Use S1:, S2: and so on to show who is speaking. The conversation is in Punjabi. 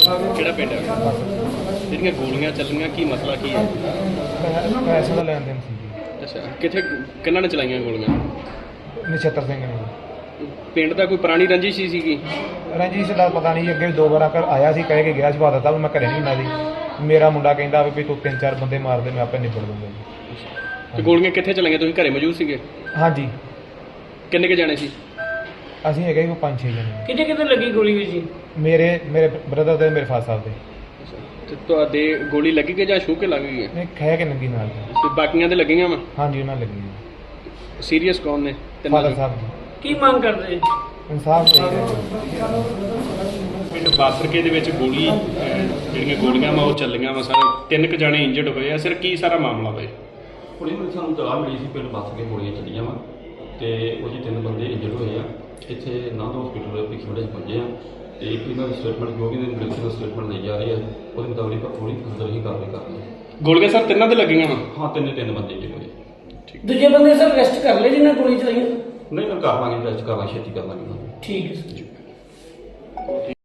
S1: ਕਿਹੜਾ ਪਿੰਡ ਹੈ ਜਿਹੜੀਆਂ ਗੋਲੀਆਂ ਚੱਲੀਆਂ ਕੀ ਮਸਲਾ ਕੀ ਹੈ?
S2: ਪੈਸੇ ਦਾ ਲੈਣ ਦੇਣ ਸੀ ਜੀ।
S1: ਅੱਛਾ ਕਿੱਥੇ ਕਿਹਨਾਂ ਨੇ ਚਲਾਈਆਂ ਗੋਲੀਆਂ?
S2: ਨਛੱਤਰ ਸਿੰਘ ਨੇ ਜੀ।
S1: ਪਿੰਡ ਦਾ ਕੋਈ ਪੁਰਾਣੀ ਰੰਜਿਸ਼ ਹੀ ਸੀਗੀ?
S2: ਰਣਜੀਤ ਦਾ ਪਤਾ ਨਹੀਂ, ਅੱਗੇ ਵੀ 2 ਵਾਰ ਆਇਆ ਸੀ, ਕਹਿ ਕੇ ਗਿਆ ਸੀ, ਪਤਾ ਵੀ ਮੈਂ ਘਰੇ ਨਹੀਂ ਹੁੰਦਾ ਸੀ। ਮੇਰਾ ਮੁੰਡਾ ਕਹਿੰਦਾ ਵੀ ਤੂੰ 3-4 ਬੰਦੇ ਮਾਰ ਦੇ, ਮੈਂ ਆਪੇ ਨਿਬੜ ਦੂੰਗਾ ਜੀ।
S1: ਤੇ ਗੋਲੀਆਂ ਕਿੱਥੇ ਚਲਾਈਆਂ? ਤੁਸੀਂ ਘਰੇ ਮੌਜੂਦ ਸੀਗੇ?
S2: ਹਾਂਜੀ,
S1: ਕਿੰਨੇ ਕੁ ਜਾਣੇ ਸੀ?
S2: ਅਸੀਂ ਹੈਗੇ ਕੋਈ 5-6 ਜਣੇ।
S3: ਕਿਤੇ ਕਿਤੇ ਲੱਗੀ ਗੋਲੀ ਵੀ ਜੀ?
S2: ਮੇਰੇ ਬ੍ਰਦਰ ਤੇ ਮੇਰੇ ਫਾਦਰ ਸਾਹਿਬ ਦੇ।
S1: ਤੇ ਤੁਹਾਡੇ ਗੋਲੀ ਲੱਗੀ ਕਿ ਜਾਂ ਛੂਹ ਕੇ ਲੱਗ ਗਈ ਹੈ?
S2: ਨਹੀਂ, ਖਹਿ ਕੇ ਨੰਗੀ ਨਾਲ ਜੀ।
S1: ਤੇ ਬਾਕੀਆਂ ਦੇ ਲੱਗੀਆਂ ਵਾ?
S2: ਹਾਂਜੀ, ਉਹਨਾਂ ਲੱਗੀ ਜੀ।
S1: ਸੀਰੀਅਸ ਕੌਣ ਨੇ?
S2: ਫਾਦਰ ਸਾਹਿਬ ਜੀ।
S3: ਕੀ ਮੰਗ ਕਰਦੇ?
S2: ਇਨਸਾਫ ਚਾਹੀਦਾ ਜੀ।
S1: ਪਿੰਡ ਬਾਸਰਕੇ ਦੇ ਵਿੱਚ ਗੋਲੀ ਜਿਹੜੀਆਂ ਗੋਲੀਆਂ ਵਾ ਉਹ ਚੱਲੀਆਂ ਵਾ ਸਾਰੇ 3 ਕੁ ਜਾਣੇ ਇੰਜਰਡ ਹੋਏ ਆ। ਸਰ ਕੀ ਸਾਰਾ ਮਾਮਲਾ ਵਾ?
S4: ਹੁਣੇ ਮੈਨੂੰ ਸਾਨੂੰ ਤਲਾਹ ਮਿਲੀ ਸੀ ਪਿੰਡ ਬੱਸ ਕੇ ਗੋਲੀਆਂ ਚੱਲੀਆਂ ਵਾ ਤੇ ਉਹ 'ਚ 3 ਬੰਦੇ ਇੰਜਰਡ ਹੋਏ ਆ। ਇੱਥੇ ਨੰਦ ਹਸਪੀਟਲ ਪਿੱਛੇ ਪਹੁੰਚੇ ਆ ਤੇ ਇੱਕ ਇਹਨਾਂ ਦੀ ਸਟੇਟਮੈਂਟ ਜੋ ਕਿ ਇਹਦੀ ਮੈਡੀਕਲ ਸਟੇਟਮੈਂਟ ਲਈ ਜਾ ਰਹੀ ਹੈ ਉਹਦੇ ਮੁਤਾਬਿਕ ਥੋੜੀ ਫਰਦਰ ਹੀ ਕਾਰਵਾਈ ਕਰਨੀ ਹੈ।
S1: ਗੋਲੀਆਂ ਸਰ ਤਿੰਨਾਂ ਦੇ ਲੱਗੀਆਂ ਵਾ?
S4: ਹਾਂ, ਤਿੰਨ ਬੰਦੇ ਇੰਜਰਡ ਹੋਏ।
S3: ਦੂਜੇ ਬੰਦੇ ਸਰ ਅਰੈਸਟ ਕਰ ਲਏ ਜਿਨ੍ਹਾਂ ਗੋਲੀ ਚਲਾਈਆਂ?
S4: ਨਹੀਂ, ਮੈਂ ਕਰ ਲਾਂਗੇ, ਟੈਸਟ ਕਰ ਲਾਂਗੇ, ਛੇਤੀ ਕਰ ਲਾਂਗੇ।
S3: ਠੀਕ ਹੈ ਸਰ।